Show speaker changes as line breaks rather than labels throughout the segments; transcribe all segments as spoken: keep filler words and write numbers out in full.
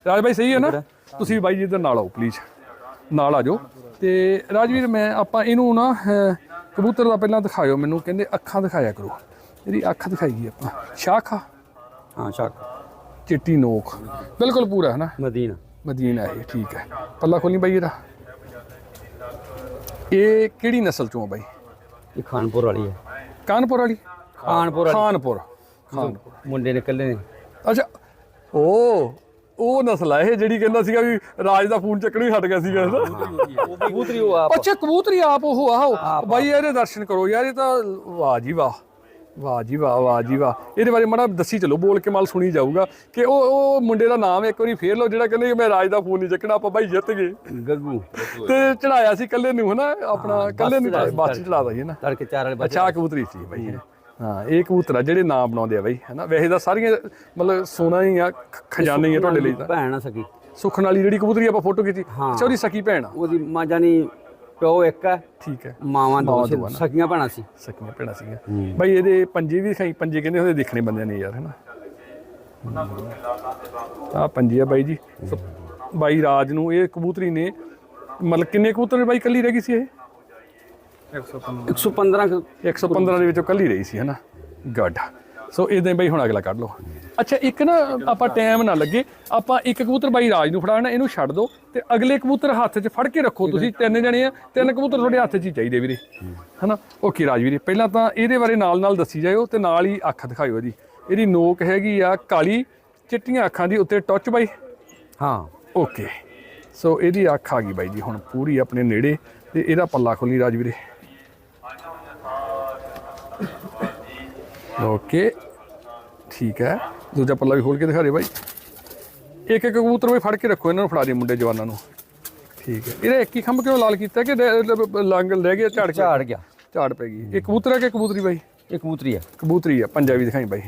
ਰਾਜ ਭਾਈ ਸਹੀ ਹੈ ਨਾ? ਤੁਸੀਂ ਬਾਈ ਜੀ ਇੱਧਰ ਨਾਲ ਆਓ ਪਲੀਜ਼, ਨਾਲ ਆ ਜਾਓ। ਤੇ ਰਾਜਵੀਰ ਮੈਂ ਆਪਾਂ ਇਹਨੂੰ ਨਾ ਕਬੂਤਰ ਦਾ ਪਹਿਲਾਂ ਦਿਖਾਇਓ ਮੈਨੂੰ, ਕਹਿੰਦੇ ਅੱਖਾਂ ਦਿਖਾਇਆ ਕਰੋ। ਇਹਦੀ ਅੱਖ ਦਿਖਾਈਏ ਆਪਾਂ, ਸ਼ਾਖ ਆ
ਹਾਂ ਸ਼ਾਖ,
ਚਿੱਟੀ ਨੋਕ, ਬਿਲਕੁਲ ਪੂਰਾ ਹੈ ਨਾ
ਮਦੀਨਾ
ਮਦੀਨਾ ਇਹ, ਠੀਕ ਹੈ। ਪੱਲਾ ਖੋਲੀ ਬਾਈ ਇਹਦਾ। ਇਹ ਕਿਹੜੀ ਨਸਲ ਚੋਂ ਆ ਬਾਈ?
ਇਹ ਖਾਨਪੁਰ ਵਾਲੀ ਹੈ।
ਕਾਨਪੁਰ ਵਾਲੀ?
ਖਾਨਪੁਰ ਵਾਲੀ,
ਖਾਨਪੁਰ ਖਾਨਪੁਰ
ਮੁੰਡੇ ਨਿਕਲੇ ਨੇ।
ਅੱਛਾ, ਉਹ ਉਹ ਨਸਲ ਹੈ ਇਹ ਜਿਹੜੀ ਕਹਿੰਦਾ ਸੀਗਾ ਵੀ ਰਾਜ ਦਾ ਫੋਨ ਚੱਕਣ ਹੀ ਹਟ ਗਿਆ ਸੀਗਾ ਨਾ।
ਕਬੂਤਰੀ ਉਹ ਆਪ,
ਅੱਛਾ ਕਬੂਤਰੀ ਆਪ ਉਹ ਆਹੋ ਬਾਈ, ਇਹਦੇ ਦਰਸ਼ਨ ਕਰੋ ਯਾਰ, ਇਹ ਤਾਂ ਵਾਹ ਜੀ ਵਾਹ, ਵਾਹ ਜੀ ਵਾਹ, ਵਾਹ ਜੀ ਵਾਹ। ਇਹਦੇ ਬਾਰੇ ਮਾੜਾ ਦੱਸੀ ਚਲੋ, ਬੋਲ ਕੇ ਮਾਲ ਸੁਣੀ ਜਾਊਗਾ ਕਿ ਉਹ ਉਹ ਮੁੰਡੇ ਦਾ ਨਾਮ ਇੱਕ ਵਾਰੀ ਫੇਰ ਲਓ ਜਿਹੜਾ ਕਹਿੰਦੇ ਮੈਂ ਰਾਜ ਦਾ ਫੋਨ ਨਹੀਂ ਚੱਕਣਾ, ਆਪਾਂ ਬਾਈ ਜਿੱਤ ਗਏ।
ਗੱਗੂ
ਤੇ ਚੜਾਇਆ ਸੀ ਕੱਲੇ ਨੂੰ ਹਨਾ, ਆਪਣਾ ਕੱਲੇ ਨੂੰ ਬੱਸ ਚੜਾ ਦਈਏ ਨਾ।
ਤੜਕੇ ਚਾਰ ਵਾਲੇ
ਅੱਛਾ ਕਬੂਤਰੀ ਸੀ ਬਾਈ, ਹਾਂ ਇਹ ਕਬੂਤਰ ਆ ਜਿਹੜੇ ਨਾਮ ਬਣਾਉਂਦੇ ਆ ਬਾਈ ਹਨਾ। ਵੈਸੇ ਤਾਂ ਸਾਰੀਆਂ ਮਤਲਬ ਸੋਨਾ ਹੀ ਆ, ਖਜ਼ਾਨੇ ਹੀ ਆ ਤੁਹਾਡੇ ਲਈ ਤਾਂ।
ਭੈਣ ਆ ਸਕੀ,
ਸੁਖਣ ਵਾਲੀ ਜਿਹੜੀ ਕਬੂਤਰੀ ਆਪਾਂ ਫੋਟੋ ਖਿੱਚੀ, ਅੱਛਾ ਉਹਦੀ ਸਕੀ ਭੈਣ ਆ।
ਉਹਦੀ ਮਾਂ ਜਾਨੀ ਪਿਓ ਇੱਕ ਹੈ,
ਠੀਕ ਹੈ,
ਮਾਵਾਂ ਦੋ ਸੀ, ਸਕੀਆਂ ਭੈਣਾਂ ਸੀ।
ਸਕੀਆਂ ਭੈਣਾਂ ਸੀਗੀਆਂ ਬਾਈ। ਇਹਦੇ ਪੰਜੇ ਵੀ ਦਿਖਾਈ, ਪੰਜੇ ਕਹਿੰਦੇ ਉਹਦੇ ਦੇਖਣੇ ਬੰਦਿਆਂ ਨੇ ਯਾਰ ਹਨਾ। ਆਹ ਪੰਜੇ ਆ ਬਾਈ ਜੀ। ਬਾਈ ਰਾਜ ਨੂੰ ਇਹ ਕਬੂਤਰੀ ਨੇ ਮਤਲਬ ਕਿੰਨੇ ਕਬੂਤਰ ਬਾਈ ਕੱਲੀ ਰਹਿ ਗਈ ਸੀ ਇਹ?
ਇੱਕ ਸੌ ਪੰਦਰਾਂ
ਇੱਕ ਸੌ ਪੰਦਰਾਂ ਦੇ ਵਿੱਚੋਂ ਕੱਲੀ ਰਹੀ ਸੀ ਹਨਾ। ਗੁੱਡ। ਸੋ ਇਦਾਂ ਬਾਈ ਹੁਣ ਅਗਲਾ ਕੱਢ ਲਓ। ਅੱਛਾ ਇੱਕ ਨਾ ਆਪਾਂ ਟਾਈਮ ਨਾ ਲੱਗੇ, ਆਪਾਂ ਇੱਕ ਕਬੂਤਰ ਬਾਈ ਰਾਜ ਨੂੰ ਫੜਾਣਾ, ਇਹਨੂੰ ਛੱਡ ਦਿਓ ਤੇ ਅਗਲੇ ਕਬੂਤਰ ਹੱਥ 'ਚ ਫੜ ਕੇ ਰੱਖੋ। ਤੁਸੀਂ ਤਿੰਨ ਜਣੇ ਆ, ਤਿੰਨ ਕਬੂਤਰ ਤੁਹਾਡੇ ਹੱਥ 'ਚ ਹੀ ਚਾਹੀਦੇ ਵੀਰੇ ਹਨਾ। ਓਕੇ ਰਾਜ ਵੀਰੇ, ਪਹਿਲਾਂ ਤਾਂ ਇਹਦੇ ਬਾਰੇ ਨਾਲ ਨਾਲ ਦੱਸੀ ਜਾਇਓ ਤੇ ਨਾਲ ਹੀ ਅੱਖ ਦਿਖਾਇਓ ਇਹਦੀ। ਇਹਦੀ ਨੋਕ ਹੈਗੀ ਆ ਕਾਲੀ, ਚਿੱਟੀਆਂ ਅੱਖਾਂ ਦੀ, ਉੱਤੇ ਟੱਚ ਬਾਈ।
ਹਾਂ
ਓਕੇ, ਸੋ ਇਹਦੀ ਅੱਖ ਆ ਗਈ ਬਾਈ ਜੀ ਹੁਣ ਪੂਰੀ ਆਪਣੇ ਨੇੜੇ। ਤੇ ਇਹਦਾ ਪੱਲਾ ਖੋਲੀ ਰਾਜ ਵੀਰੇ। ਓਕੇ ਠੀਕ ਹੈ, ਦੂਜਾ ਪੱਲਾ ਵੀ ਖੋਲ ਕੇ ਦਿਖਾ ਦੇ ਬਾਈ। ਇੱਕ ਇੱਕ ਕਬੂਤਰ ਵੀ ਫੜ ਕੇ ਰੱਖੋ, ਇਹਨਾਂ ਨੂੰ ਫੜਾ ਦੇ ਮੁੰਡੇ ਜਵਾਨਾਂ ਨੂੰ। ਠੀਕ ਹੈ, ਇਹਦਾ ਇੱਕ ਹੀ ਖੰਭ ਕਿਉਂ ਲਾਲ ਕੀਤਾ ਕਿ ਲੰਗ ਰਹਿ ਗਿਆ, ਝਾੜ
ਝਾੜ ਗਿਆ,
ਝਾੜ ਪੈ ਗਈ। ਇਹ ਕਬੂਤਰ ਹੈ ਕਿ ਕਬੂਤਰੀ ਬਾਈ?
ਇਹ ਕਬੂਤਰੀ ਹੈ।
ਕਬੂਤਰੀ ਆ, ਪੰਜਾਬੀ ਦਿਖਾਈ ਬਾਈ।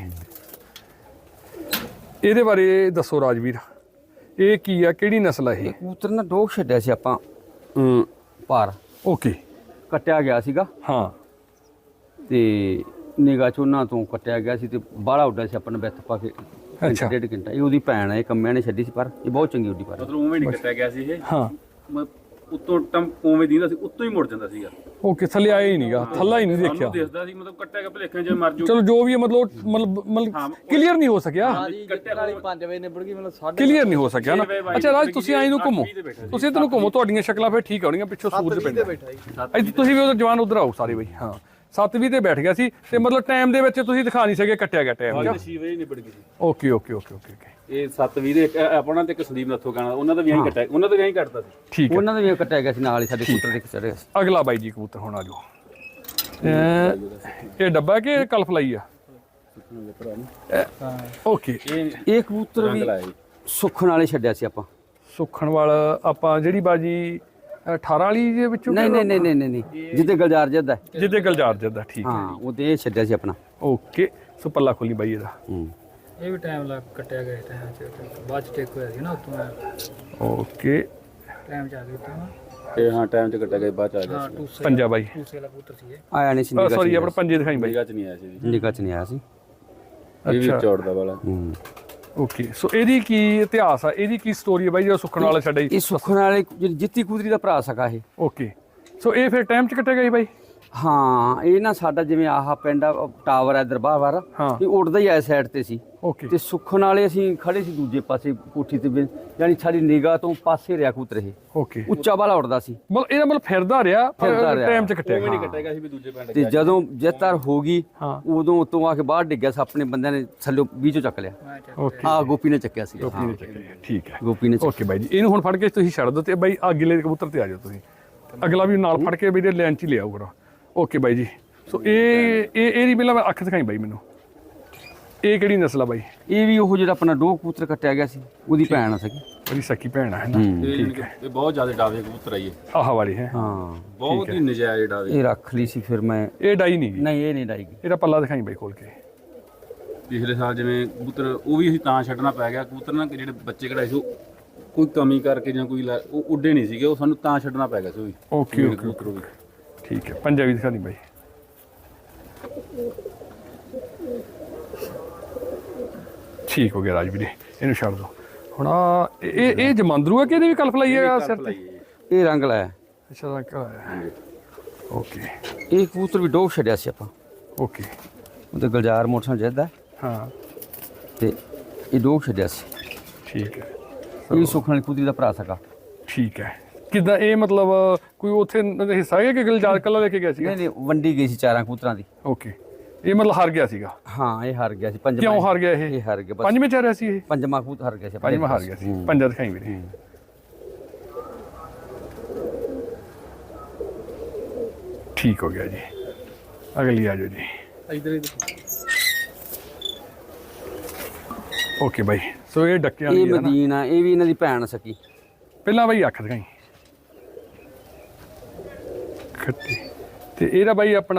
ਇਹਦੇ ਬਾਰੇ ਦੱਸੋ ਰਾਜਵੀਰ, ਇਹ ਕੀ ਆ, ਕਿਹੜੀ ਨਸਲ ਹੈ ਇਹ?
ਕਬੂਤਰ ਨਾ ਡੋਗ ਛੱਡਿਆ ਸੀ ਆਪਾਂ ਪਾਰ।
ਓਕੇ,
ਕੱਟਿਆ ਗਿਆ ਸੀਗਾ
ਹਾਂ,
ਤੇ ਨਿਗਾਹ ਚ ਉਹਨਾਂ ਤੋਂ ਕੱਟਿਆ ਗਿਆ ਸੀ ਤੇ ਬਾਹਲਾ ਉੱਡਿਆ ਸੀ, ਆਪਾਂ ਨੇ ਵਿੱਥ ਪਾ ਕੇ
ਅੱਛਾ
ਡੇਢ ਘੰਟਾ। ਇਹ ਉਹਦੀ ਭੈਣ ਹੈ, ਇਹ ਕੰਮਿਆਂ ਨੇ ਛੱਡੀ ਸੀ, ਪਰ ਇਹ ਬਹੁਤ ਚੰਗੀ ਉੱਡੀ। ਪਰ
ਮਤਲਬ ਉਵੇਂ ਨਹੀਂ ਕੱਟਿਆ ਗਿਆ ਸੀ ਇਹ,
ਹਾਂ,
ਉੱਤੋਂ ਟੰਮ ਉਵੇਂ ਦੀਂਦਾ ਸੀ, ਉੱਤੋਂ ਹੀ ਮੁੜ ਜਾਂਦਾ ਸੀਗਾ।
ਓਕੇ, ਥੱਲੇ ਆਇਆ ਹੀ ਨਹੀਂਗਾ, ਥੱਲਾ ਹੀ ਨਹੀਂ ਦੇਖਿਆ।
ਦਿਸਦਾ ਸੀ ਮਤਲਬ ਕੱਟਿਆ ਗਿਆ ਭਲੇਖਾਂ ਜੇ ਮਰ ਜੂ।
ਚਲੋ ਜੋ ਵੀ ਹੈ, ਮਤਲਬ ਮਤਲਬ ਮਤਲਬ ਕਲੀਅਰ ਨਹੀਂ ਹੋ ਸਕਿਆ,
ਪੰਜ ਵਜੇ ਨਿਬੜ ਗਈ, ਮਤਲਬ
ਕਲੀਅਰ ਨਹੀਂ ਹੋ ਸਕਿਆ ਨਾ। ਅੱਛਾ ਰਾਜ, ਤੁਸੀਂ ਆਈ ਨੂੰ ਘੁੰਮੋ, ਤੁਸੀਂ ਇੱਧਰ ਨੂੰ ਘੁੰਮੋ, ਤੁਹਾਡੀਆਂ ਸ਼ਕਲਾਂ ਫਿਰ ਠੀਕ ਆਉਣੀਆਂ, ਪਿੱਛੋਂ ਸੂਰਜ ਪੈਂਦਾ। ਇੱਥੇ ਤੁਸੀਂ ਵੀ ਉਧਰ ਜਵਾਨ ਉਧਰ ਆਓ ਸਾਰੇ ਬਈ। ਹਾਂ ਸੱਤ ਵੀਹ ਤੇ ਬੈਠ ਗਿਆ ਸੀ ਤੇ ਮਤਲਬ ਟਾਈਮ ਦੇ ਵਿੱਚ ਤੁਸੀਂ ਦਿਖਾ ਨਹੀਂ ਸਕੇ, ਕੱਟਿਆ ਗਿਆ ਟਾਈਮ।
ਛੇ ਵਜੇ ਨਿਬੜ ਗਈ ਸੀ।
Okay okay okay okay okay,
ਇਹ ਸੱਤ ਵੀਹ ਦੇ ਆਪਣਾ ਤੇ ਇੱਕ ਸੰਦੀਪ ਨੱਥੋ ਗਾਣਾ, ਉਹਨਾਂ ਦਾ ਵੀ ਐਂ ਕੱਟਿਆ, ਉਹਨਾਂ ਦਾ ਵੀ ਐਂ ਕੱਟਦਾ ਸੀ।
ਠੀਕ ਹੈ,
ਉਹਨਾਂ ਦਾ ਵੀ ਕੱਟਿਆ ਗਿਆ ਸੀ, ਨਾਲ ਹੀ ਸਾਡੇ ਕਬੂਤਰ ਦੇ ਚੜ੍ਹਿਆ ਸੀ।
ਅਗਲਾ ਬਾਈ ਜੀ ਕਬੂਤਰ ਹੁਣ ਆ ਜਾਓ। ਇਹ ਡੱਬਾ ਕਿ ਕਲਫ ਲਾਈ ਆ? ਓਕੇ,
ਇਹ ਕਬੂਤਰ ਵੀ ਸੁੱਖਣ ਵਾਲੇ ਛੱਡਿਆ ਸੀ ਆਪਾਂ।
ਸੁੱਖਣ ਵਾਲਾ ਆਪਾਂ ਜਿਹੜੀ ਬਾਜੀ ਅਠਾਰਾਂ ਵਾਲੀ ਦੇ ਵਿੱਚੋਂ?
ਨਹੀਂ ਨਹੀਂ ਨਹੀਂ ਨਹੀਂ ਨਹੀਂ, ਜਿੱਦੇ ਗਲਜਾਰ ਜੱਦਾ,
ਜਿੱਦੇ ਗਲਜਾਰ ਜੱਦਾ, ਠੀਕ ਹੈ।
ਹਾਂ ਉਹਦੇ ਇਹ ਛੱਡਿਆ ਸੀ ਆਪਣਾ।
ਓਕੇ, ਸੋ ਪੱਲਾ ਖੋਲੀ ਬਾਈ ਇਹਦਾ।
ਹੂੰ,
ਇਹ ਵੀ ਟਾਈਮ ਲੱਗ ਕੱਟਿਆ ਗਿਆ ਟਾਈਮ ਚ, ਬਾਅਦ ਚ ਟੇਕ ਹੋਇਆ ਸੀ ਨਾ ਉਤੋਂ।
ਓਕੇ,
ਟਾਈਮ ਚ ਆ ਗਿਆ ਤਾਂ
ਇਹ ਹਾਂ ਟਾਈਮ ਤੇ ਕੱਟਿਆ ਗਿਆ, ਬਾਅਦ ਚ ਆ ਗਿਆ
ਹਾਂ
ਸੀ।
ਟੂਸੇ
ਪੰਜਾ ਬਾਈ,
ਟੂਸੇ ਵਾਲਾ ਪੁੱਤਰ ਸੀ ਇਹ।
ਆਇਆ ਨਹੀਂ ਸੀ ਨਿਗਾਹ ਚ,
ਸੌਰੀ ਆਪਣਾ ਪੰਜੇ ਦਿਖਾਈ ਬਾਈ।
ਨਿਗਾਹ ਚ ਨਹੀਂ ਆਇਆ ਸੀ ਜੀ,
ਨਿਗਾਹ ਚ ਨਹੀਂ ਆਇਆ ਸੀ।
ਇਹ ਵੀ ਚੌੜਦਾ ਵਾਲਾ।
ਹੂੰ,
ਓਕੇ, ਸੋ ਇਹਦੀ ਕੀ ਇਤਿਹਾਸ ਆ, ਇਹਦੀ ਕੀ ਸਟੋਰੀ ਹੈ ਬਾਈ ਜਿਹੜਾ ਸੁੱਖਣ ਵਾਲਾ ਛੱਡਿਆ ਜੀ?
ਇਹ ਸੁੱਖਣ ਵਾਲੇ ਜਿਹੜੀ ਜਿੱਤੀ ਕਬੂਤਰੀ ਦਾ ਭਰਾ ਸਕਾ ਇਹ।
ਓਕੇ, ਸੋ ਇਹ ਫਿਰ ਟਾਈਮ ਚ ਕੱਟਿਆ ਗਿਆ ਜੀ ਬਾਈ?
ਹਾਂ, ਇਹ ਨਾ ਸਾਡਾ ਜਿਵੇਂ ਆਹ ਪਿੰਡ ਆ, ਟਾਵਰ ਹੈ ਦਰਬਾਰ ਵਾਲਾ,
ਹਾਂ,
ਇਹ ਉੱਡਦਾ ਹੀ ਆ ਸਾਈਡ ਤੇ ਸੀ।
ਓਕੇ,
ਤੇ ਸੁੱਖਣ ਵਾਲੇ ਅਸੀਂ ਖੜੇ ਸੀ ਦੂਜੇ ਪਾਸੇ ਕੋਠੀ ਤੇ, ਯਾਨੀ ਸਾਡੀ ਨਿਗਾਹ ਤੋਂ ਪਾਸੇ ਰਿਹਾ ਕਬੂਤਰ ਇਹ,
ਓਕੇ,
ਉੱਚਾ ਵਾਲਾ ਉੱਡਦਾ ਸੀ।
ਮਤਲਬ ਇਹਦਾ ਮਤਲਬ ਫਿਰਦਾ ਰਿਹਾ,
ਫਿਰਦਾ ਰਿਹਾ।
ਟਾਈਮ ਚ ਕੱਟਿਆ
ਉਵੇਂ
ਗਿਆ।
ਨਹੀਂ ਕੱਟਿਆ ਗਿਆ ਸੀ ਵੀ ਦੂਜੇ ਪਿੰਡ
ਤੇ ਜਦੋਂ ਜਿੱਤਰ ਹੋ ਗਈ,
ਹਾਂ,
ਉਦੋਂ ਉਤੋਂ ਆ ਕੇ ਬਾਹਰ ਡਿੱਗਿਆ ਸੀ, ਆਪਣੇ ਬੰਦਿਆਂ ਨੇ ਥੱਲੇ ਵੀਚੋਂ ਚੱਕ ਲਿਆ।
ਓਕੇ,
ਆ ਗੋਪੀ ਨੇ ਚੱਕਿਆ ਸੀ।
ਗੋਪੀ ਨੇ ਚੱਕਿਆ, ਠੀਕ ਹੈ।
ਗੋਪੀ ਨੇ
ਓਕੇ ਬਾਈ ਜੀ, ਇਹਨੂੰ ਹੁਣ ਫੜ ਕੇ ਤੁਸੀਂ ਛੱਡ ਦਿਓ ਤੇ ਬਾਈ ਅਗਲੇ ਕਬੂਤਰ ਤੇ ਆ ਜਾਓ ਤੁਸੀਂ, ਅਗਲਾ ਵੀ ਨਾਲ ਫੜ ਕੇ ਵੀ ਇਹਦੇ ਲਾਈਨ ਚ ਹੀ ਲਿਆਓ ਕਰੋ। ਓਕੇ ਬਾਈ ਜੀ, ਸੋ ਇਹ ਇਹ ਇਹਦੀ ਪਹਿਲਾਂ ਅੱਖ ਦਿਖਾਈ ਬਾਈ ਮੈਨੂੰ, ਇਹ ਕਿਹੜੀ ਨਸਲ ਆ ਬਾਈ?
ਇਹ ਵੀ ਉਹ ਜਿਹੜਾ ਆਪਣਾ ਡੋਗ ਕਬੂਤਰ ਕੱਟਿਆ ਗਿਆ ਸੀ, ਉਹਦੀ ਭੈਣ ਆ ਸਕੀ।
ਉਹਦੀ ਸਕੀ ਭੈਣ ਹੈ ਨਾ, ਠੀਕ ਹੈ।
ਇਹ ਬਹੁਤ ਜ਼ਿਆਦਾ ਡਾਵੇ ਕਬੂਤਰ ਆਈ ਹੈ,
ਆਹ ਵਾਲੀ ਹੈ,
ਹਾਂ
ਬਹੁਤ ਹੀ ਨਜਾਇਜ਼ ਡਾਵੇ।
ਇਹ ਰੱਖ ਲਈ ਸੀ ਫਿਰ ਮੈਂ।
ਇਹ ਡਾਈ ਨਹੀਂ ਗਈ?
ਨਹੀਂ ਇਹ ਨਹੀਂ ਡਾਈਗੀ।
ਇਹਦਾ ਪੱਲਾ ਦਿਖਾਈ ਬਾਈ ਖੋਲ ਕੇ।
ਪਿਛਲੇ ਸਾਲ ਜਿਵੇਂ ਕਬੂਤਰ ਉਹ ਵੀ ਅਸੀਂ ਤਾਂ ਛੱਡਣਾ ਪੈ ਗਿਆ, ਕਬੂਤਰ ਨਾ ਜਿਹੜੇ ਬੱਚੇ ਕਢਾਏ ਸੀ ਉਹ ਕੋਈ ਕਮੀ ਕਰਕੇ ਜਾਂ ਕੋਈ ਉਹ ਉੱਡੇ ਨਹੀਂ ਸੀਗੇ, ਉਹ ਸਾਨੂੰ ਤਾਂ ਛੱਡਣਾ ਪੈ ਗਿਆ ਸੀ ਉਹ ਵੀ।
ਓਕੇ ਓਕੇ
ਕਬੂਤਰ ਉਹ ਵੀ
ਠੀਕ ਹੈ, ਪੰਜਾਬੀ ਦਿਖਾ ਦੀ ਬਾਈ। ਠੀਕ ਹੋ ਗਿਆ ਰਾਜ ਵੀਰੇ, ਇਹਨੂੰ ਛੱਡ ਦਿਓ। ਹੁਣ ਆਹ ਇਹ ਇਹ ਜਮਾਂਦਰੂ ਹੈ ਕਿ ਇਹਦੀ ਵੀ ਕਲਫ ਲਾਈ ਹੈ ਸਿਰ ਤੇ?
ਇਹ ਰੰਗ ਲਾਇਆ।
ਅੱਛਾ ਰੰਗ ਲਾਇਆ। ਓਕੇ
ਇਹ ਕਬੂਤਰ ਵੀ ਡੋਗ ਛੱਡਿਆ ਸੀ ਆਪਾਂ,
ਓਕੇ
ਉਹਦੇ ਗੁਲਜ਼ਾਰ ਮੋਟਰਸਾਈਕਲ ਜਿੱਦਾ
ਹਾਂ
ਤੇ ਇਹ ਡੋਗ ਛੱਡਿਆ ਸੀ।
ਠੀਕ ਹੈ
ਇਹ ਸੁਖਣ ਵਾਲੀ ਕਬੂਤਰੀ ਦਾ ਭਰਾ ਸਕਾ।
ਠੀਕ ਹੈ। ਕਿੱਦਾਂ ਇਹ ਮਤਲਬ ਕੋਈ ਉੱਥੇ ਹਿੱਸਾ ਹੈ ਕਿ ਗੁਲਜ਼ਾਰ ਕੱਲਾ ਲੈ ਕੇ ਗਿਆ ਸੀਗਾ?
ਨਹੀਂ ਨਹੀਂ ਵੰਡੀ ਗਈ ਸੀ ਚਾਰਾਂ ਕਬੂਤਰਾਂ ਦੀ।
ਓਕੇ ਇਹ ਮਤਲਬ ਹਾਰ ਗਿਆ ਸੀਗਾ?
ਹਾਂ ਇਹ ਹਾਰ ਗਿਆ ਸੀ। ਪੰਜਵਾਂ
ਕਿਉਂ ਹਾਰ ਗਿਆ ਇਹ?
ਇਹ ਹਾਰ ਗਿਆ ਬਸ।
ਪੰਜਵੇਂ ਚ ਆ ਰਿਹਾ ਸੀ ਇਹ?
ਪੰਜਵਾਂ ਕਬੂਤਰ ਹਾਰ ਗਿਆ ਸੀ।
ਪੰਜਵਾਂ ਹਾਰ ਗਿਆ ਸੀ। ਪੰਜਾ ਦਿਖਾਈ ਵੀਰੇ। ਠੀਕ ਹੋ ਗਿਆ ਜੀ। ਅਗਲੀ ਆ ਜਾਓ ਜੀ।
ਇਧਰ ਇਧਰ
ਓਕੇ ਬਾਈ ਸੋ ਇਹ ਡੱਕਿਆਂ
ਇਹ
ਵਾਲੀ ਹੈ ਨਾ?
ਮਦੀਨਾ ਇਹ ਵੀ ਇਹਨਾਂ ਦੀ ਭੈਣ ਸਕੀ।
ਪਹਿਲਾਂ ਬਾਈ ਅੱਖ ਦਿਖਾਈ ਖੱਟੀ ਤੇ ਇਹਦਾ ਬਾਈ ਆਪਣਾ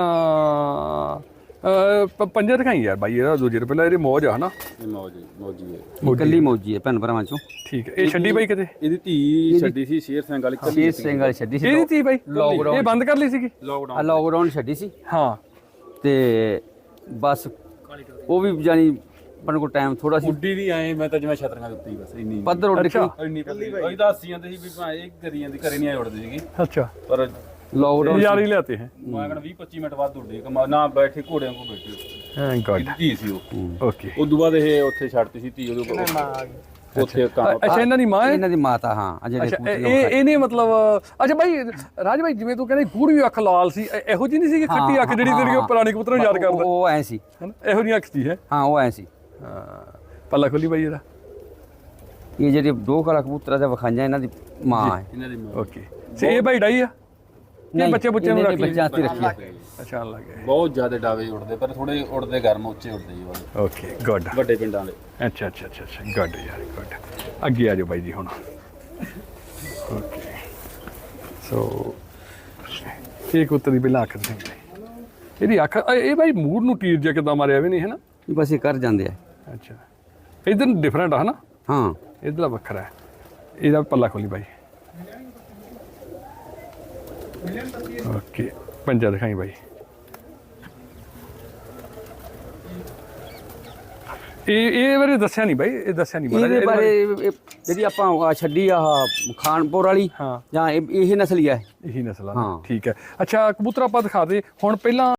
ਅਹ, ਪ- ਪੰਜਾ ਦਿਖਾਈ ਯਾਰ ਬਾਈ ਇਹਦਾ ਦੂਜੇ ਤੋਂ ਪਹਿਲਾਂ ਇਹਦੀ ਮੌਜ ਆ ਹਨਾ?
ਇਹ ਮੌਜ ਮੌਜੀ ਹੈ।
ਇਹ ਕੱਲੀ ਮੌਜੀ ਹੈ ਭੈਣ ਭਰਾਵਾਂ ਚੋਂ।
ਠੀਕ ਹੈ। ਇਹ ਛੱਡੀ ਬਾਈ ਕਿਤੇ?
ਇਹਦੀ ਧੀ ਛੱਡੀ ਸੀ ਸ਼ੇਰ ਸਿੰਘ ਵਾਲੀ
ਸ਼ੇਰ ਸਿੰਘ ਵਾਲੀ ਛੱਡੀ ਸੀ।
ਇਹਦੀ ਤੀ ਬਾਈ
Lockdown
ਇਹ ਬੰਦ ਕਰ ਲਈ ਸੀਗੀ?
ਆ
ਲੋਕਡਾਊਨ
ਲੋਕਡਾਊਨ ਛੱਡੀ ਸੀ
ਹਾਂ
ਤੇ ਬਸ ਉਹ ਵੀ ਜਾਨੀ ਆਪਣੇ ਕੋਲ ਟਾਈਮ ਥੋੜਾ ਸੀ।
ਉੱਡੀ ਦੀ ਆਏ ਮੈਂ ਤਾਂ ਜਿਵੇਂ ਛਤਰੀਆਂ ਦਿੱਤੀ ਬਸ ਇੰਨੀ
ਪੱਧਰ ਉੱਡ
ਅੱਛਾ।
ਕੇ
ਇੰਨੀ ਪੱਲੀ ਅਸੀਂ ਤਾਂ ਹੱਸੀ ਜਾਂਦੇ ਸੀ ਵੀ ਭਾਂ ਇਹ ਕਰੀ ਜਾਂਦੀ ਘਰੇ ਨਹੀਂ ਆਏ ਉੜਦੀ ਸੀਗੀ
ਅੱਛਾ
ਪਰ
ਲੋਕਡਾਊਨ
ਯਾਰੀ ਲਿਆਤੇ ਹੈ।
ਮੈਂ ਕਹਿੰਦਾ ਵੀਹ ਪੱਚੀ ਮਿੰਟ ਬਾਅਦ ਉੱਡੀ ਕਮਾ ਨਾ ਬੈਠੇ ਘੋੜਿਆਂ ਕੋ ਬੈਠੀ
ਹਾਂ ਗੋਡ
ਧੀ ਸੀ ਉਹ
ਓਕੇ।
ਉਸ ਤੋਂ ਬਾਅਦ ਇਹ ਉੱਥੇ ਛੱਡਤੀ ਸੀ ਧੀ ਉਹਦੇ ਕੋਲ ਉੱਥੇ ਕੰਮ
ਅੱਛਾ ਇਹਨਾਂ ਦੀ ਮਾਂ ਹੈ?
ਇਹਨਾਂ ਦੀ ਮਾਤਾ ਹਾਂ ਆ ਜਿਹੜੇ
ਅੱਛਾ
ਕਬੂਤਰ
ਇਹ
ਲੋਕ
ਇਹ- ਇਹਨੇ ਮਤਲਬ ਅੱਛਾ ਬਾਈ ਰਾਜ ਬਾਈ ਜਿਵੇਂ ਤੂੰ ਕਹਿੰਦਾ ਪੂਰੀ ਅੱਖ ਲਾਲ ਸੀ ਇਹ- ਇਹੋ ਜਿਹੀ ਨਹੀਂ ਸੀ ਕਿ ਖੱਟੀ ਅੱਖ ਜਿਹੜੀ ਤੇਰੀ ਉਹ ਪੁਰਾਣੇ ਕਬੂਤਰਾਂ ਨੂੰ ਯਾਦ ਕਰਦਾ
ਉਹ- ਉਹ ਐ ਸੀ।
ਹੈ ਨਾ? ਇਹੋ ਜਿਹੀ ਅੱਖ ਸੀ ਹੈ।
ਹਾਂ ਉਹ ਐ ਸੀ।
ਹਾਂ ਪੱਲਾ ਖੋਲੀ ਬਾਈ ਇਹਦਾ।
ਇਹ ਜਿਹੜੇ ਦੋ ਕਾਲਾ ਕਬੂਤਰਾਂ ਦੇ ਵਿਖਾਈਆਂ ਇਹਨਾਂ ਦੀ ਮਾਂ ਹੈ।
ਇਹਨਾਂ ਦੀ ਮਾਂ
ਓਕੇ ਤੇ ਇਹ ਬਾਈ ਡਾਈ ਆ? ਨਹੀਂ ਬੱਚੇ ਬੁੱਚੇ ਨੂੰ
ਇਹਨੇ
ਰੱਖ ਲਈ?
ਬੱਚਿਆਂ ਤੇ ਰੱਖਿਆ।
ਅੱਛਾ ਲੱਗ ਗਿਆ।
ਬਹੁਤ ਜ਼ਿਆਦਾ ਡਾਵੇ ਉੜਦੇ ਪਰ ਥੋੜੇ ਉੜਦੇ ਗਰਮ ਉੱਚੇ ਉੜਦੇ ਜੀ ਵਾਲੇ
ਓਕੇ ਗੁੱਡ।
ਵੱਡੇ ਪਿੰਡਾਂ ਦੇ
ਅੱਛਾ ਅੱਛਾ ਅੱਛਾ ਅੱਛਾ ਗੁੱਡ ਯਾਰ ਗੁੱਡ। ਅੱਗੇ ਆ ਜਾਓ ਬਾਈ ਜੀ ਹੁਣ। ਓਕੇ ਸੋ ਇਹ ਕੁੱਤੇ ਦੀ ਪਹਿਲਾਂ ਅੱਖ ਦਿਖਾਈ ਇਹਦੀ ਅੱਖ ਇਹ ਇਹ ਬਾਈ ਮੂਡ ਨੂੰ ਟੀਰ ਜਿਹਾ ਕਿੱਦਾਂ ਮਾਰਿਆ ਵੀ ਨਹੀਂ ਹੈ ਨਾ?
ਇਹ ਬਸ ਇਹ ਕਰ ਜਾਂਦੇ ਆ।
ਅੱਛਾ ਇਧਰ ਡਿਫਰੈਂਟ ਆ ਹਨਾ?
ਹਾਂ
ਇਧਰਲਾ ਵੱਖਰਾ ਹੈ। ਇਹਦਾ ਪੱਲਾ ਖੋਲੀ ਬਾਈ। ਓਕੇ ਪੰਜਾ ਦਿਖਾਈ ਬਾਈ। ਇਹ ਇਹ ਬਾਰੇ ਦੱਸਿਆ ਨਹੀਂ ਬਾਈ ਇਹ ਦੱਸਿਆ ਨਹੀਂ ਮਾੜਾ ਜਿਹਾ
ਇਹਦੇ
ਇਹਦੇ
ਬਾਰੇ ਇਹ- ਜਿਹੜੀ ਆਪਾਂ ਆਹ ਛੱਡੀ ਆ ਖਾਨਪੁਰ ਵਾਲੀ
ਹਾਂ
ਜਾਂ ਇਹ ਇਹ ਨਸਲੀ ਆ।
ਇਹੀ ਨਸਲ ਆ
ਹਾਂ।
ਨਾ? ਠੀਕ ਹੈ। ਅੱਛਾ ਕਬੂਤਰ ਆਪਾਂ ਦਿਖਾ ਦੇ ਹੁਣ ਪਹਿਲਾਂ